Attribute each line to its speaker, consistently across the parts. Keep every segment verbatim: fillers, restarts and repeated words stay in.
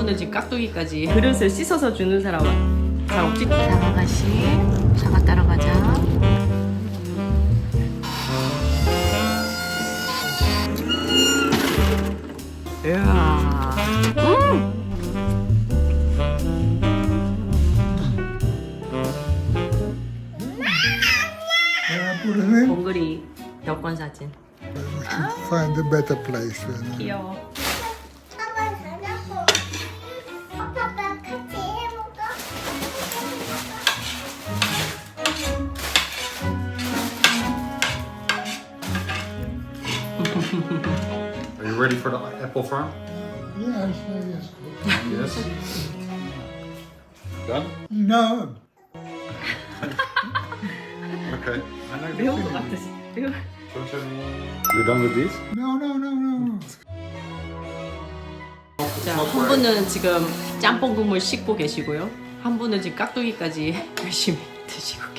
Speaker 1: 분은 지금 깍두기까지 그릇을 씻어서 주는 사람은 잘 없지? 사과가시 사과 따라가자. 이야 음! 봉그리 여권 사진.
Speaker 2: We should find a better place. uh,
Speaker 1: 귀여워.
Speaker 3: 아빠 자자고. 아빠 같이 해볼까?
Speaker 4: Are you ready for the apple farm?
Speaker 2: Yes, yes.
Speaker 4: Yes. Done?
Speaker 2: No.
Speaker 4: Okay.
Speaker 1: 매운 것 같아. 매워.
Speaker 4: You're done with these?
Speaker 2: No, no, no, no.
Speaker 1: 자, 한 분은 지금 짬뽕 국물 씻고 계시고요. 한 분은 지금 깍두기까지 열심히 드시고 계.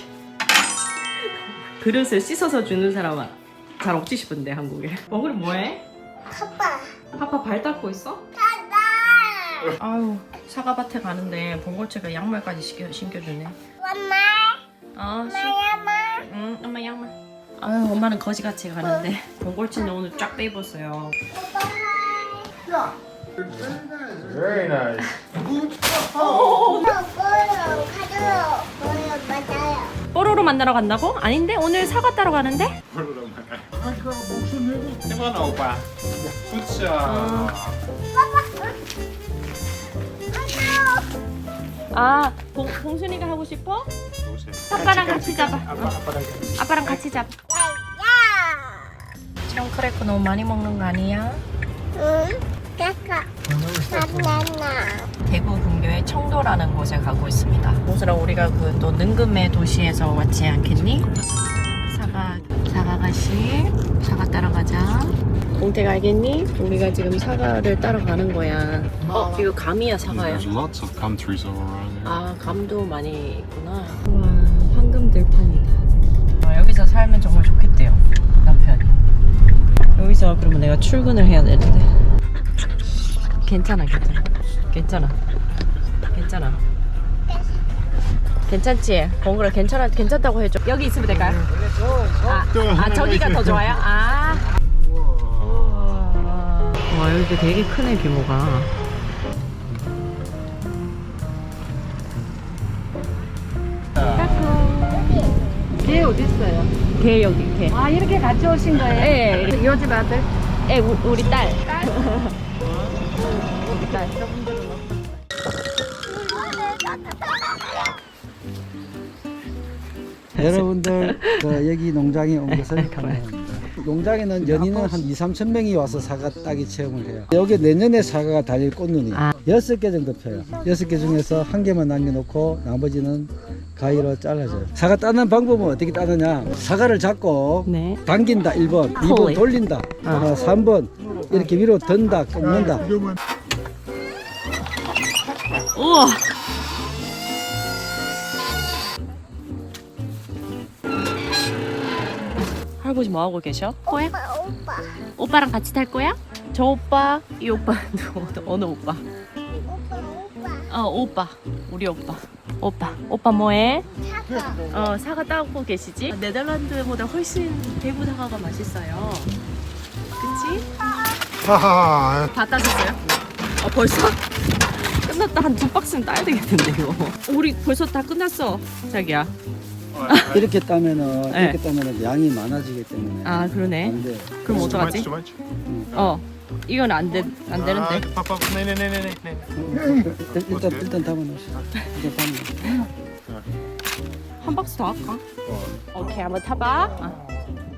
Speaker 1: 그릇을 씻어서 주는 사람은 잘 없지 싶은데 한국에. 먹으리 뭐해?
Speaker 3: 아빠.
Speaker 1: 파파 발 닦고 있어?
Speaker 3: 가자.
Speaker 1: 아유 사과밭에 가는데 봉골채가 양말까지 신겨, 신겨주네.
Speaker 3: 엄마.
Speaker 1: 아 시...
Speaker 3: 엄마.
Speaker 1: 응 엄마 양말. 아유 엄마는 거지같이 가는데 봉골채는 오늘 쫙 빼입었어요.
Speaker 2: Yeah. It's very nice.
Speaker 4: Very nice.
Speaker 2: Good.
Speaker 3: 가요. 가요. 뭐요 맞아요.
Speaker 1: 뽀로로 만나러 간다고? 아닌데 오늘 사과 따러 가는데?
Speaker 2: I got books in it.
Speaker 4: Come on, opa. Good job.
Speaker 1: 아 봉, 봉순이가 하고 싶어? 아빠랑 같이 잡아. 어. 아빠랑 같이 잡아. 참 크래커 너무 많이 먹는 거 아니야?
Speaker 3: 응. 까까. 바나나.
Speaker 1: 대구 근교의 청도라는 곳에 가고 있습니다. 봉순아 우리가 그 또 능금의 도시에서 왔지 않겠니? 사과 사과가시 사과 따러 가자. 공택 알겠니? 우리가 지금 사과를 따러 가는 거야. 어 이거 감이야 사과야?
Speaker 4: There's lots of gum trees all around here.
Speaker 1: 아 감도 많이 있구나. 와 황금 들판이다. 아, 여기서 살면 정말 좋겠대요 남편이. 여기서 그러면 내가 출근을 해야 되는데. 괜찮아 괜찮아 괜찮아 괜찮아 괜찮지? 봉그라 괜찮아 괜찮다고 해줘. 여기 있으면 될까요? 아, 아 저기가 더 좋아요? 아. 우와. 와 여기 되게 크네 규모가.
Speaker 5: 개 어디 있어요?
Speaker 1: 개 여기 개.
Speaker 5: 아 이렇게 같이 오신 거예요?
Speaker 1: 예.
Speaker 5: 요즘 아들?
Speaker 1: 예 우, 우리 딸.
Speaker 5: 우리 딸.
Speaker 6: 여러분들 그 여기 농장에 온 것을 환영합니다. 농장에는 연인은 한 이삼천 명이 와서 사과 따기 체험을 해요. 여기 내년에 사과가 달릴 꽃눈이 여섯 개 정도 펴요. 여섯 개 중에서 한 개만 남겨놓고 나머지는 가위로 잘라줘요. 사과 따는 방법은 어떻게 따느냐? 사과를 잡고
Speaker 1: 네.
Speaker 6: 당긴다 일 번, 이 번 돌린다, 어, 삼 번 이렇게 위로 든다, 꺾는다.
Speaker 1: 우와. 할아버지 뭐 하고 계셔? 거야?
Speaker 3: 오빠 오빠.
Speaker 1: 오빠랑 같이 탈 거야? 저 오빠, 이 오빠, 어느 오빠?
Speaker 3: 오빠 오빠.
Speaker 1: 어 오빠, 우리 오빠. 오빠, 오빠 뭐해?
Speaker 3: 사과.
Speaker 1: 어 사과 따고 계시지? 네덜란드보다 훨씬 대구 사과가 맛있어요. 그치?
Speaker 2: Haha.
Speaker 1: 다 따셨어요? 어 벌써? 끝났다. 한 두 박스는 따야 되겠는데 이거. 우리 벌써 다 끝났어 자기야.
Speaker 6: 이렇게 따면은
Speaker 1: 네.
Speaker 6: 이렇게 따면은 양이 많아지기 때문에
Speaker 1: 아 그러네.
Speaker 6: 안 돼.
Speaker 1: 그럼 어떡하지?
Speaker 4: Too much?
Speaker 1: 어 이건 안 돼, 안 되는데.
Speaker 4: Papa, nee, nee, nee, nee, nee, nee.
Speaker 6: 일단 일단, 일단 담아놓으시죠. 일단 담아.
Speaker 1: 한 박스 더 할까? 오케이 한번 타봐. 어.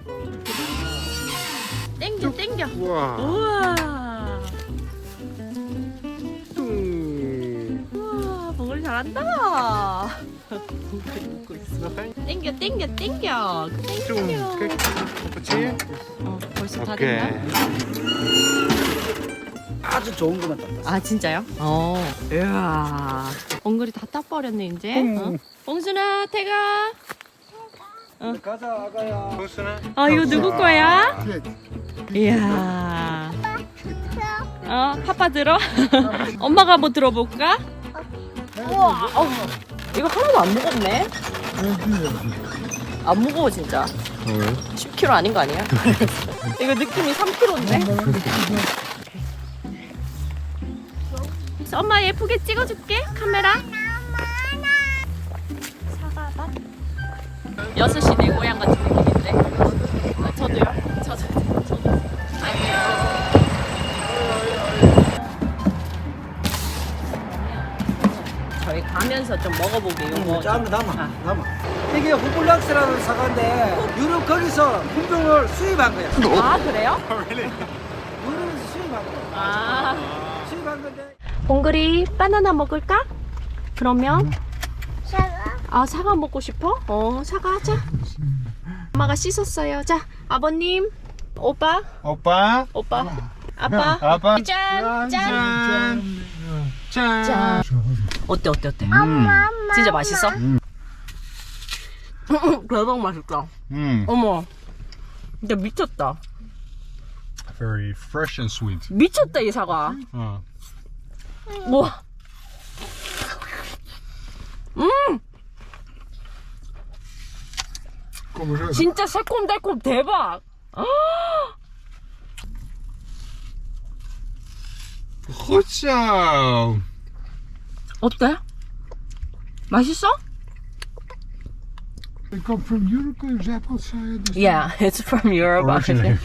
Speaker 1: 땡겨 땡겨.
Speaker 4: Wow.
Speaker 1: 우와. 우와 봉을 잘한다. 봉을 먹고 있어. 땡겨 땡겨 땡겨. 땡겨.
Speaker 4: Appeltje?
Speaker 1: 어 벌써 다
Speaker 4: 오케이.
Speaker 1: 됐나?
Speaker 6: 아주 좋은 것만 땄다.
Speaker 1: 아 진짜요? 어. 이야. 엉글이 다 따버렸네 이제. 어? 봉순아 태가.
Speaker 6: 가자 아가야.
Speaker 4: Poesene?
Speaker 1: 아 이거 누구 거야?
Speaker 2: Kijk.
Speaker 1: 이야. 어, 파파 들어? 엄마가 한번 들어볼까? 우와, 어, 이거 하나도 안 무겁네. 안 무거워 진짜. 십 킬로그램 아닌 거 아니야? 이거 느낌이 삼 킬로그램인데? 엄마 예쁘게 찍어줄게 카메라. 사과밭. 여섯 시 내 고향 같은 느낌인데. 아, 저도요. 저도. 저도. 안녕. 저희 가면서 좀 먹어보게 요거.
Speaker 6: 자, 한번 담아. 담아. 이게 후블락스라는 사과인데 유럽 거기서 품종을 수입한 거야.
Speaker 1: 아 그래요?
Speaker 6: 유럽에서 수입한 거야.
Speaker 1: 아.
Speaker 6: 수입한 건데.
Speaker 1: 봉글이 바나나 먹을까? 그러면
Speaker 3: 사과.
Speaker 1: 아 사과 먹고 싶어? 어 사과 하자. 엄마가 씻었어요. 자 아버님, 오빠,
Speaker 4: 오빠.
Speaker 1: 오빠, 아빠.
Speaker 4: 아빠.
Speaker 1: 짠, 짠,
Speaker 4: 짠. 짠.
Speaker 1: 짠. 어때 어때 어때?
Speaker 3: 엄마.
Speaker 1: 진짜 맛있어? 대박 맛있다.
Speaker 4: 음.
Speaker 1: 어머, 진짜 미쳤다.
Speaker 4: Very fresh and sweet.
Speaker 1: 미쳤다 이 사과.
Speaker 4: 어.
Speaker 1: 우와. 음,
Speaker 2: Kom eens uit.
Speaker 1: 진짜 새콤달콤 대박. 아,
Speaker 4: Goed zo.
Speaker 1: 어때? 맛있어?
Speaker 2: Ik kom from Europe, those apples. Uh, this
Speaker 1: Yeah, it's from Europe.
Speaker 4: Originally.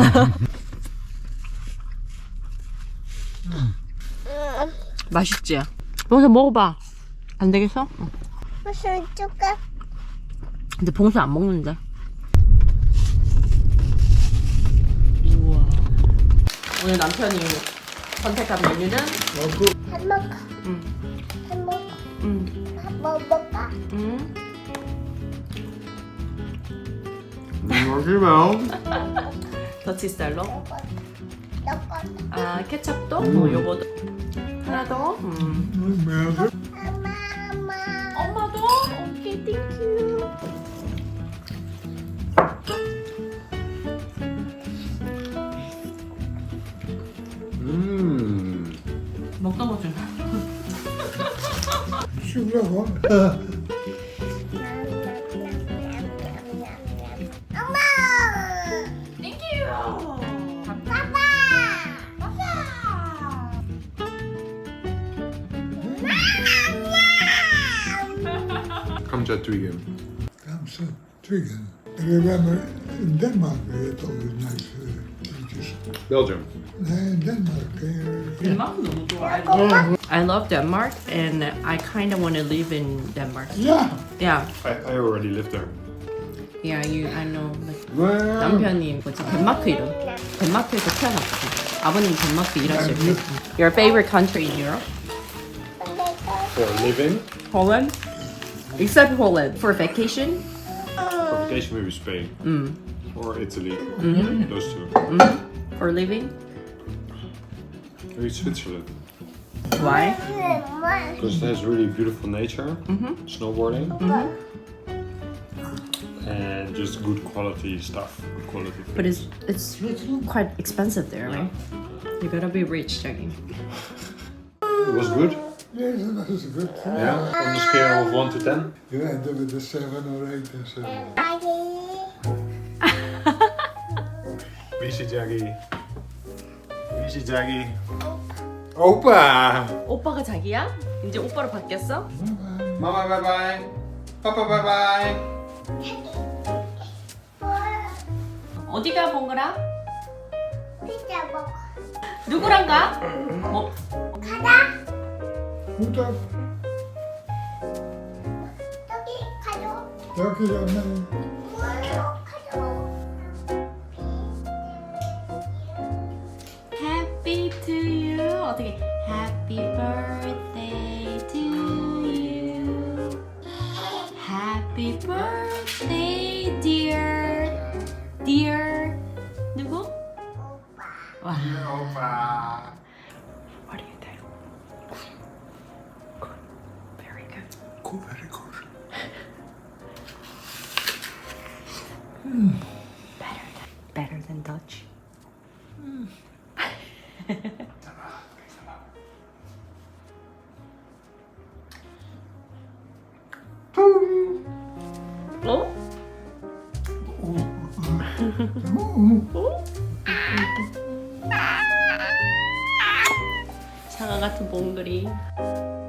Speaker 1: 맛있지? 봉수 먹어봐. 안 되겠어? 응.
Speaker 3: 무슨 조금.
Speaker 1: 근데 봉수 안 먹는데. 우와. 오늘 남편이 선택한 메뉴는
Speaker 3: 햄버거.
Speaker 1: 응.
Speaker 3: 햄버거.
Speaker 1: 응.
Speaker 3: 햄버거.
Speaker 1: 응.
Speaker 4: Dankjewel.
Speaker 1: 더치 스타일로.
Speaker 3: 요거. 요거.
Speaker 1: 아 케첩도. 어, 요거도. 하나 더. 음.
Speaker 3: 엄마, 엄마.
Speaker 1: 엄마도. 오케이, 땡큐.
Speaker 4: Mm.
Speaker 1: 먹다 보자.
Speaker 2: Zoek nog hoor.
Speaker 3: 엄마.
Speaker 1: 땡큐.
Speaker 3: 아빠.
Speaker 4: Come to Tweegan.
Speaker 2: Amsterdam, Tweeden. En we hebben in Denemarken weer toch weer nice uh, dingetjes.
Speaker 4: Belgium.
Speaker 2: Nee, in Denemarken. Uh,
Speaker 1: 덴마크 너무 좋아. I love, I love Denmark and I kind of want to live in Denmark.
Speaker 2: ja,
Speaker 1: Yeah,
Speaker 4: I, I already lived there.
Speaker 1: yeah, you, I know. Like, 남편이 뭐지? 덴마크 이름. 덴마크에서 태어났거든. 아버님 덴마크 일하실 때. Your favorite country in Europe?
Speaker 4: For living.
Speaker 1: Holland. Except Holland for vacation.
Speaker 4: For vacation, maybe Spain.
Speaker 1: Mm.
Speaker 4: Or Italy.
Speaker 1: Mhm.
Speaker 4: Those two.
Speaker 1: Mm. For living.
Speaker 4: Maybe Switzerland.
Speaker 1: Why?
Speaker 4: Because it has really beautiful nature.
Speaker 1: Mhm.
Speaker 4: Snowboarding.
Speaker 1: Mhm.
Speaker 4: And just good quality stuff. Good quality things.
Speaker 1: But it's it's quite expensive there, right? You gotta be rich, Jackie.
Speaker 4: It was good.
Speaker 2: yes, dat is goed.
Speaker 4: Yeah. On a scale of one to ten.
Speaker 2: Ja, en dan met de seven or eight en zo.
Speaker 4: Wie is Jaggy? Wie is Jaggy? Opa!
Speaker 1: 오빠가 자기야? 이제 오빠로 바뀌었어?
Speaker 4: Mama bye bye. Papa bye bye.
Speaker 1: 어디가 봉그라?
Speaker 3: 피자 먹어.
Speaker 1: 누구랑 가? 뭐?
Speaker 3: 가자.
Speaker 2: Goed dan.
Speaker 3: 저기 가져.
Speaker 2: Dank je dan.
Speaker 3: 뭐요? 가져.
Speaker 1: Happy to you. 어떻게? Happy birthday to you. Happy birthday, dear. Dear. 누구? 와.
Speaker 4: Opa.
Speaker 1: What do you think? Good. Very good.
Speaker 2: Goed, very good.
Speaker 1: Better than, better than Dutch. 같은 봉그리.